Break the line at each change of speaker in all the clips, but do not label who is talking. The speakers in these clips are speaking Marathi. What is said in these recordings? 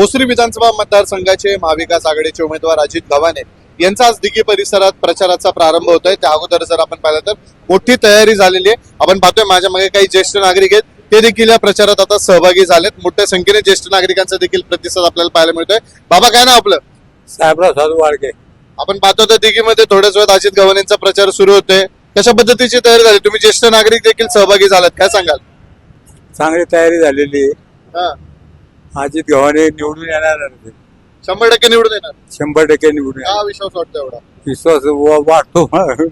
भोसरी विधानसभा मतदारसंघाचे महाविकास आघाडीचे उमेदवार अजित गव्हाणे यांचा आज दिघी परिसरात प्रचाराचा प्रारंभ होतोय. त्या अगोदर जर आपण पाहिलं तर मोठी तयारी झालेली आहे. आपण पाहतोय माझ्या मागे काही ज्येष्ठ नागरिक आहेत, ते देखील या प्रचारात आता सहभागी झालेत. मोठ्या संख्येने ज्येष्ठ नागरिकांचा देखील प्रतिसाद आपल्याला पाहायला मिळतोय. बाबा, काय नाव आपलं?
साहेबराव साधू वाडके.
आपण पाहतो तर दिघीमध्ये थोड्याच वेळात अजित गव्हाणेंचा प्रचार सुरू होतोय. कशा पद्धतीची तयारी झाली? तुम्ही ज्येष्ठ नागरिक देखील सहभागी झालात, काय सांगाल?
चांगली तयारी झालेली आहे.
हा,
अजित गव्हाणे निवडून येणार.
100% निवडून येणार.
100% निवडून
हा
येणार.
विश्वास वाटतो एवढा?
विश्वास वाटतो.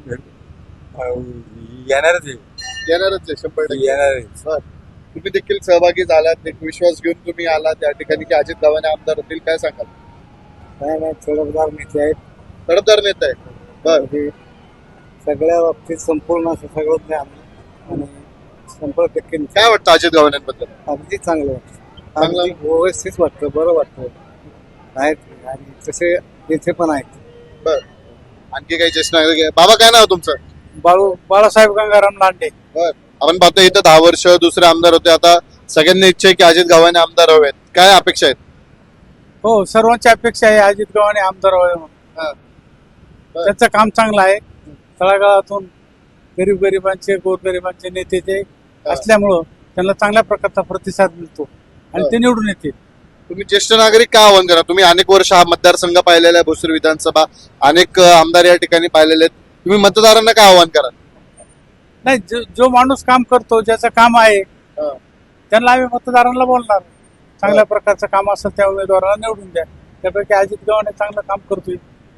येणारच आहे.
येणारच आहे 100%.
येणार आहे.
बरं. तुम्ही देखील सहभागी झालात, एक विश्वास घेऊन तुम्ही आलात त्या ठिकाणी की अजित गव्हाणे आमदार होतील, काय सांगाल?
काय नाही, थोडंफार नेते आहेत.
तडफदार नेता आहे. बर,
सगळ्या बाबतीत संपूर्ण असं सगळं ज्ञान आणि 100%
काय वाटतं अजित गव्हाणेंबद्दल?
अगदी चांगलं वाटतं.
चांगलं?
अगदी व्यवस्थित वाटतं, बरं वाटतं. आहेत आणि तसे इथे पण आहेत.
बर, आणखी काही ज्येष्ठ नागरिक आहे? बाबा, काय नाव तुमचं?
बाळासाहेब गंगाराम लांडे.
बर, आपण पाहतो इथं 10 वर्ष दुसरे आमदार होते, आता सगळ्यांनी इच्छा आहे की अजित गव्हाणे आमदार हवेत. काय अपेक्षा आहेत?
हो, सर्वांची अपेक्षा आहे अजित गव्हाणे आमदार व्हावे म्हणून.
हा. बर.
त्यांचं काम चांगलं आहे. तळागाळातून गरीबांचे गोरगरिबांचे नेते ते असल्यामुळं त्यांना चांगल्या प्रकारचा प्रतिसाद मिळतो आणि ते निवडून येतील.
तुम्ही ज्येष्ठ नागरिक काय आव्हान करा? तुम्ही अनेक वर्ष हा मतदारसंघ पाहिलेला आहे, भोसरी विधानसभा, अनेक आमदार या ठिकाणी पाहिलेले आहेत. तुम्ही मतदारांना काय आव्हान करा?
नाही, जो माणूस काम करतो, ज्याचं काम आहे, त्यांना आम्ही मतदारांना बोलणार. चांगल्या प्रकारचं काम असेल त्या उमेदवाराला निवडून द्या. त्यापैकी अजित गव्हाणे चांगलं काम करतोय.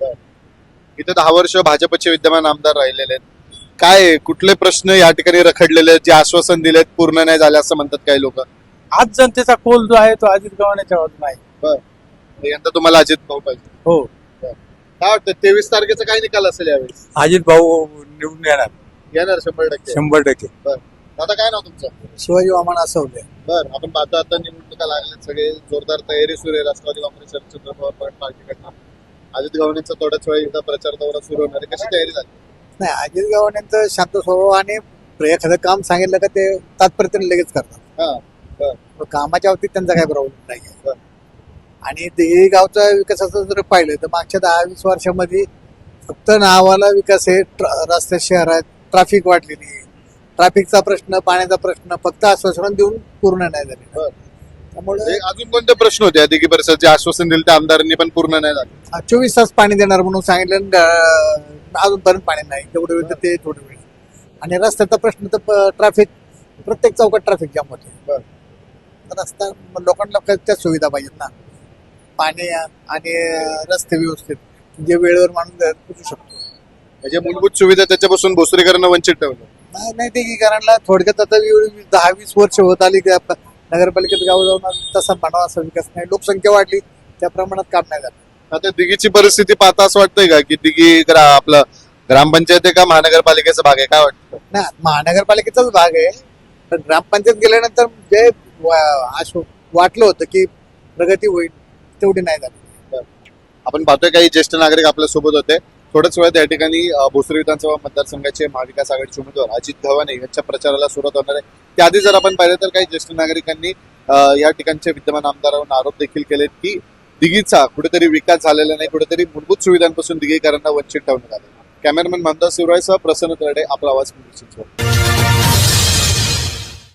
इथे 10 वर्ष भाजपचे विद्यमान आमदार राहिलेले आहेत. काय कुठले प्रश्न या ठिकाणी रखडलेले आहेत, जे आश्वासन दिलेत पूर्ण नाही झाले असं म्हणतात काही लोक?
आज जनतेचा कोल जो आहे तो अजित गव्हाणेच्या बाजूने आहे.
यंदा तुम्हाला अजित भाऊ पाहिजे.
हो,
काय वाटतं 23 तारखेचा काय निकाल असेल यावेळेस?
अजित भाऊ निवडून येणार.
येणार 100%.
100%.
आता काय नाव तुमचं?
शिवाजी वामन असवले.
बर, आपण पाहतो आता निवडणुका लागल्यात, सगळे जोरदार तयारी सुरू आहे. राष्ट्रवादी काँग्रेस शरदचंद्र पवार पार्टीकडनं अजित गव्हाणेंचा थोड्याच वेळी एकदा प्रचार दौरा सुरू होणार आहे. कशी तयारी झाली?
नाही, अजित गव्हाणेंचं शांत स्वभाव आणि एखादं काम सांगितलं का ते तात्पर्य लगेच करतात.
हा, बर,
कामाच्या बाबतीत त्यांचा काही प्रॉब्लेम नाही आहे.
बर.
आणि ते गावचा विकासाचं जर पाहिलं तर मागच्या 10-20 वर्षामध्ये फक्त नावाला विकास आहे. रस्ते, शहरात ट्रॅफिक वाढलेली आहे. ट्रॅफिकचा प्रश्न, पाण्याचा प्रश्न फक्त आश्वासन देऊन पूर्ण नाही झाले.
बर.
त्यामुळे
अजून कोणते प्रश्न होते अधिकी परिषद जे आश्वासन दिले त्या आमदारांनी पण पूर्ण नाही झाले?
24 तास पाणी देणार म्हणून सांगितलं, अजूनपर्यंत पाणी नाही. तेवढं वेळ तर ते थोडं वेळ. आणि रस्त्याचा प्रश्न तर ट्रॅफिक, प्रत्येक चौकात ट्रॅफिक जाम होते. रस्ता लोकांना त्या सुविधा पाहिजेत ना, पाणी आणि रस्ते व्यवस्थित, जे वेळेवर माणूस पोचू शकतो.
म्हणजे मूलभूत सुविधा त्याच्यापासून भोसरीकरांना वंचित ठेवलं.
नाही ते की कारण थोडक्यात आता 10-20 वर्ष होत आली की नगरपालिकेत गाव जाऊन तसा म्हणावा असा विकास नाही. लोकसंख्या वाढली, त्या प्रमाणात काम नाही झालं.
आता दिघीची परिस्थिती पाहता असं वाटतंय का की दिघी आपलं ग्रामपंचायत आहे का महानगरपालिकेचा भाग आहे? काय वाटतं?
ना, महानगरपालिकेचाच भाग आहे. पण ग्रामपंचायत गेल्यानंतर जे वाटलं होतं की प्रगती होईल तेवढी नाही झाली.
आपण पाहतोय काही ज्येष्ठ नागरिक आपल्या सोबत होते. थोड्याच वेळात या ठिकाणी भोसरी विधानसभा मतदारसंघाचे महाविकास आघाडीचे उमेदवार अजित गव्हाणे यांच्या प्रचाराला सुरुवात होणार आहे. त्याआधी जर आपण पाहिलं तर काही ज्येष्ठ नागरिकांनी या ठिकाणचे विद्यमान आमदारांवर आरोप देखील केलेत की दिघीचा कुठेतरी विकास झालेला नाही, कुठेतरी मूलभूत सुविधांपासून दिघीकरांना वंचित ठेवण्यात आले. कॅमेरामॅन मंदार शिवरायसह प्रसन्न तरडे, आपला आवाज.